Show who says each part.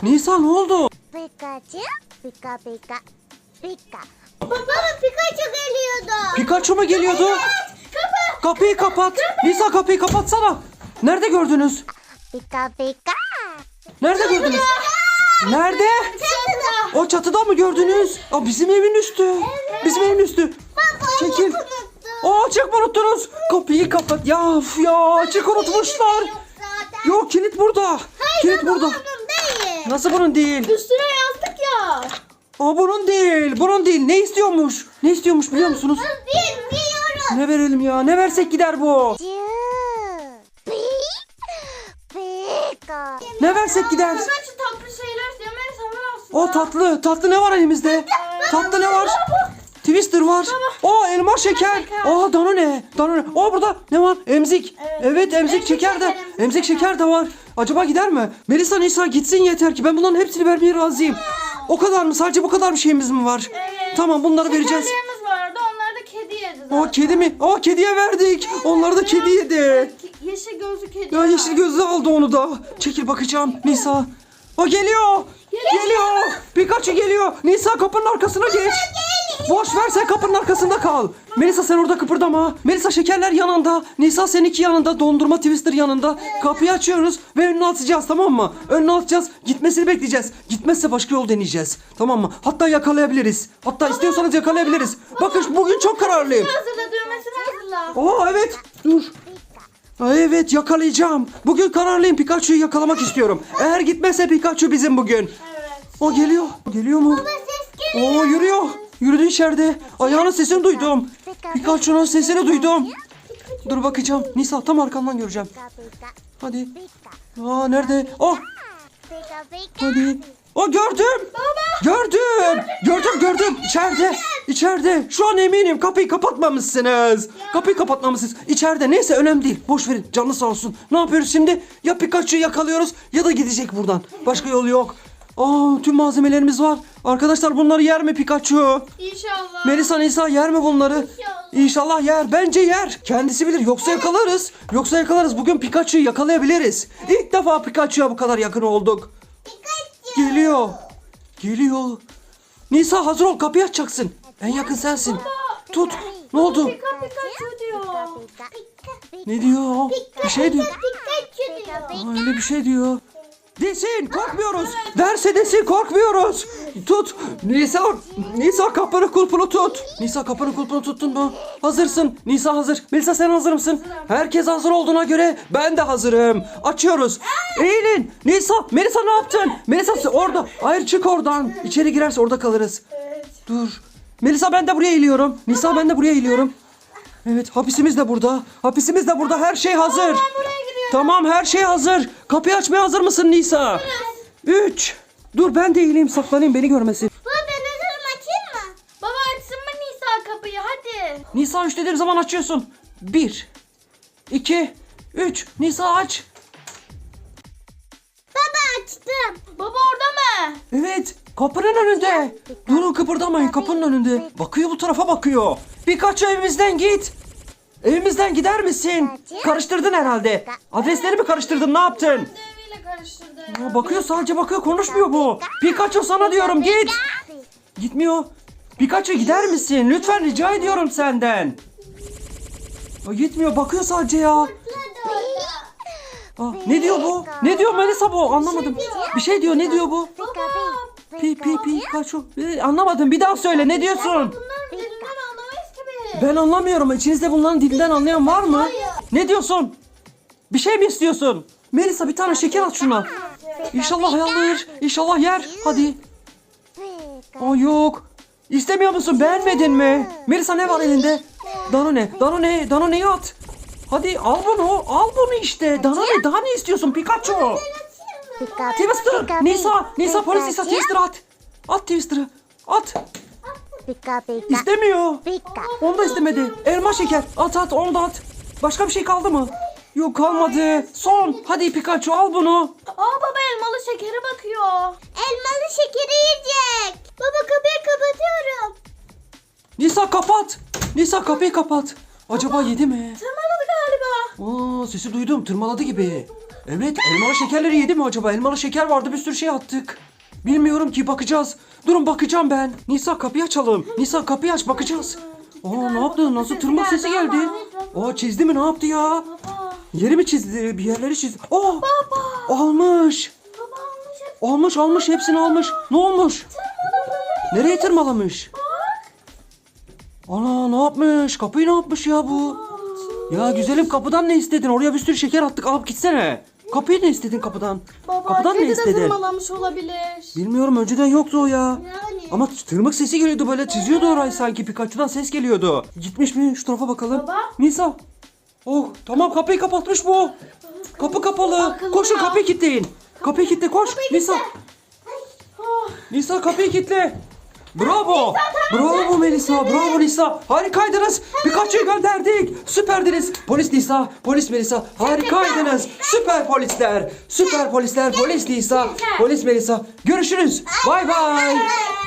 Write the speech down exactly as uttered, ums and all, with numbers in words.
Speaker 1: Nisa ne oldu?
Speaker 2: Pikachu, pika pika, pika. Baba Pikachu geliyordu.
Speaker 1: Pikachu mu geliyordu?
Speaker 2: Evet, kapı.
Speaker 1: Kapıyı kapat. Nisa kapıyı kapatsana. Nerede gördünüz?
Speaker 2: Pika pika.
Speaker 1: Nerede gördünüz? Nerede?
Speaker 2: Çatıda.
Speaker 1: O çatıda mı gördünüz? Aa, bizim evin üstü. Bizim evin üstü. Çekil. Aa, açık mı unuttunuz? Kapıyı kapat. Ya of ya, açık unutmuşlar. Yok, kilit burada.
Speaker 2: Hayır
Speaker 1: Kilit
Speaker 2: baba,
Speaker 1: burada.
Speaker 2: onun değil.
Speaker 1: Nasıl bunun değil?
Speaker 2: Üstüne yazdık ya.
Speaker 1: Aa, bunun değil. Bunun değil. Ne istiyormuş? Ne istiyormuş biliyor musunuz?
Speaker 2: Bilmiyorum.
Speaker 1: Ne verelim ya? Ne versek gider bu?
Speaker 2: Pika.
Speaker 1: Ne versek gider?
Speaker 2: Pikachu tatlı şeyler yemeyi sever aslında.
Speaker 1: O tatlı. Tatlı ne var elimizde? Tatlı ne var? Twister var. O elma şeker. Aa, Danone. Danone. O burada ne var? Emzik. Evet, emzik şeker de. Emzik şeker de var. Acaba gider mi? Melisa, Nisa gitsin yeter ki. Ben bunların hepsini vermeye razıyım. O kadar mı? Sadece bu kadar bir şeyimiz mi var?
Speaker 3: Evet.
Speaker 1: Tamam, bunları vereceğiz.
Speaker 3: Şekerlerimiz vardı. Onları da kedi yedi zaten.
Speaker 1: O kedi mi? Aa, kediye verdik. Onları da kedi yedi.
Speaker 3: Yeşil gözlü kedi.
Speaker 1: Ya yeşil gözlü aldı onu da. Çekil bakacağım Nisa. O geliyor. Geliyor. Pikachu geliyor. Nisa kapının arkasına geç. Boş ver, sen kapının arkasında kal. Melisa sen orada kıpırdama. Melisa şekerler yanında. Nisa seninki yanında. Dondurma Twister yanında. Kapıyı açıyoruz ve önüne atacağız, tamam mı? Önüne atacağız. Gitmesini bekleyeceğiz. Gitmezse başka yol deneyeceğiz. Tamam mı? Hatta yakalayabiliriz. Hatta istiyorsanız yakalayabiliriz. Bakın bugün çok kararlıyım.
Speaker 3: Hazırla, düğmesini hazırla.
Speaker 1: Aa, evet. Dur. Aa, evet, yakalayacağım. Bugün kararlıyım. Pikachu'yu yakalamak istiyorum. Eğer gitmezse Pikachu bizim bugün.
Speaker 3: Evet.
Speaker 1: O geliyor. Geliyor mu?
Speaker 2: Ses geliyor.
Speaker 1: Oo, yürüyor. Yürüdü içeride. Ayağının sesini duydum. Pikachu'nun sesini duydum. Dur bakacağım. Nisa tam arkamdan göreceğim.
Speaker 2: Pika pika,
Speaker 1: Hadi.
Speaker 2: pika.
Speaker 1: Aa, nerede? Oh,
Speaker 2: Pika pika.
Speaker 1: hadi. O gördüm. Gördüm. Gördüm gördüm. İçeride. İçeride. Şu an eminim kapıyı kapatmamışsınız. Kapıyı kapatmamışsınız. İçeride. Neyse, önemli değil. Boş verin. Canlı sağ olsun. Ne yapıyoruz şimdi? Ya Pikachu'yu yakalıyoruz ya da gidecek buradan. Başka yolu yok. Aa, tüm malzemelerimiz var. Arkadaşlar, bunları yer mi Pikachu?
Speaker 3: İnşallah.
Speaker 1: Melisa, Nisa yer mi bunları? İnşallah yer. Bence yer. Kendisi bilir. Yoksa yakalarız. Yoksa yakalarız. Bugün Pikachu'yu yakalayabiliriz. İlk defa Pikachu'ya bu kadar yakın olduk. Geliyor. Geliyor. Nisa hazır ol. Kapıyı açacaksın. En yakın sensin. Tut. Ne oldu?
Speaker 3: Pika Pikachu diyor.
Speaker 2: Pika pika.
Speaker 1: Ne diyor? Bir şey diyor.
Speaker 2: Pikachu diyor.
Speaker 1: Aa, öyle bir şey diyor. Desin, korkmuyoruz. Derse desin, korkmuyoruz. Tut. Nisa, Nisa kapının kulpunu tut. Nisa kapının kulpunu tuttun mu? Hazırsın. Nisa hazır. Melisa sen hazır mısın? Herkes hazır olduğuna göre ben de hazırım. Açıyoruz. Eğilin. Nisa, Melisa ne yaptın? Melisa orada. Hayır, çık oradan. İçeri girerse orada kalırız. Dur. Melisa ben de buraya eğiliyorum. Nisa ben de buraya eğiliyorum. Evet, hapisimiz de burada. Hapisimiz de burada. Her şey hazır. Tamam, her şey hazır. Kapıyı açmaya hazır mısın Nisa? Üç. Dur ben de eğileyim, saklanayım, beni görmesin.
Speaker 2: Baba ben hazırım, açayım mı?
Speaker 3: Baba açsın mı Nisa kapıyı hadi.
Speaker 1: Nisa üç dediğim zaman açıyorsun. Bir. İki. Üç. Nisa aç.
Speaker 2: Baba açtım.
Speaker 3: Baba orada mı?
Speaker 1: Evet. Kapının önünde. Durun, kıpırdamayın, kapının önünde. Bakıyor, bu tarafa bakıyor. Pikachu evimizden git. Evimizden gider misin? Karıştırdın herhalde. Adresleri mi karıştırdın, ne yaptın?
Speaker 3: Deviyle karıştırdı.
Speaker 1: Aa, bakıyor, sadece bakıyor, konuşmuyor bu. Pikachu sana diyorum, git. Gitmiyor. Pikachu gider misin? Lütfen rica ediyorum senden. Aa, gitmiyor, bakıyor sadece ya. Aa, ne diyor bu? Ne diyor Melisa bu? Anlamadım. Bir şey diyor, ne diyor bu?
Speaker 2: Pika
Speaker 1: Pi pi Pikachu. Ee, anlamadım, bir daha söyle, ne diyorsun?
Speaker 3: Bunların dilinden anlamayız ki biz.
Speaker 1: Ben anlamıyorum. İçinizde bunların dilinden anlayan var mı? Ne diyorsun? Bir şey mi istiyorsun? Melisa bir tane şeker at şuna. İnşallah alır. İnşallah yer. Hadi.
Speaker 2: pika.
Speaker 1: Aa, yok. İstemiyor musun? Beğenmedin mi? Melisa ne var elinde? Danone. Danone. Danone'yi at. Hadi al bunu. Al bunu işte. Danone. Daha ne istiyorsun Pikachu?
Speaker 2: Pika
Speaker 1: Twister. Nisa. Nisa polis Nisa Twister at. At Twister'ı. At.
Speaker 2: Pika pika.
Speaker 1: İstemiyor.
Speaker 2: Pika.
Speaker 1: Onu da istemedi. Elma şeker. At at, onu da at. Başka bir şey kaldı mı? Yok, kalmadı. Son. Hadi Pikachu al bunu.
Speaker 3: Aa baba elmalı şekere bakıyor.
Speaker 2: Elmalı şekeri yiyecek. Baba kapıyı kapatıyorum.
Speaker 1: Nisa kapat. Nisa kapıyı kapat. Acaba yedi mi?
Speaker 3: Tırmaladı galiba.
Speaker 1: Aa, sesi duydum. Tırmaladı gibi. Evet, elmalı şekerleri yedi mi acaba? Elmalı şeker vardı, bir sürü şey attık. Bilmiyorum ki, bakacağız. Durun, bakacağım ben. Nisa kapıyı açalım. Nisa kapıyı aç, bakacağız. Aa, ne yaptı? Nasıl tırmık sesi geldi? Aa, çizdi mi, ne yaptı ya?
Speaker 3: Baba.
Speaker 1: Yeri mi çizdi? Bir yerleri çizdi. Aa, almış.
Speaker 3: Baba almış hep.
Speaker 1: Almış almış hepsini almış. Ne olmuş? Nereye tırmalamış? Ana, ne yapmış? Kapıyı ne yapmış ya bu? Ya güzelim, kapıdan ne istedin? Oraya bir sürü şeker attık, alıp gitsene. Kapıyı ne istedin kapıdan?
Speaker 3: Baba
Speaker 1: Kapıdan ne
Speaker 3: kedi de
Speaker 1: istedin?
Speaker 3: tırmalamış olabilir.
Speaker 1: Bilmiyorum, önceden yoktu o ya.
Speaker 2: Yani.
Speaker 1: Ama tırmık sesi geliyordu, böyle çiziyordu orayı sanki. Pikachu'dan ses geliyordu. Gitmiş mi? Şu tarafa bakalım.
Speaker 3: Baba.
Speaker 1: Nisa. Oh, tamam, kapıyı kapatmış bu. Kapı kapalı.
Speaker 3: Akıllı
Speaker 1: Koşun,
Speaker 3: ya.
Speaker 1: kapıyı kilitleyin. Kapıyı kilitle, koş. Nisa.
Speaker 3: Oh.
Speaker 1: Nisa, kapıyı kilitle. Bravo. Bravo Melisa. Bravo Nisa. Harikaydınız. Pikachu'yu gönderdik. Süperdiniz. Polis Nisa. Polis Melisa. Harikaydınız. Süper polisler. Süper polisler. Polis Nisa. Polis Melisa. Görüşürüz. Bay bay.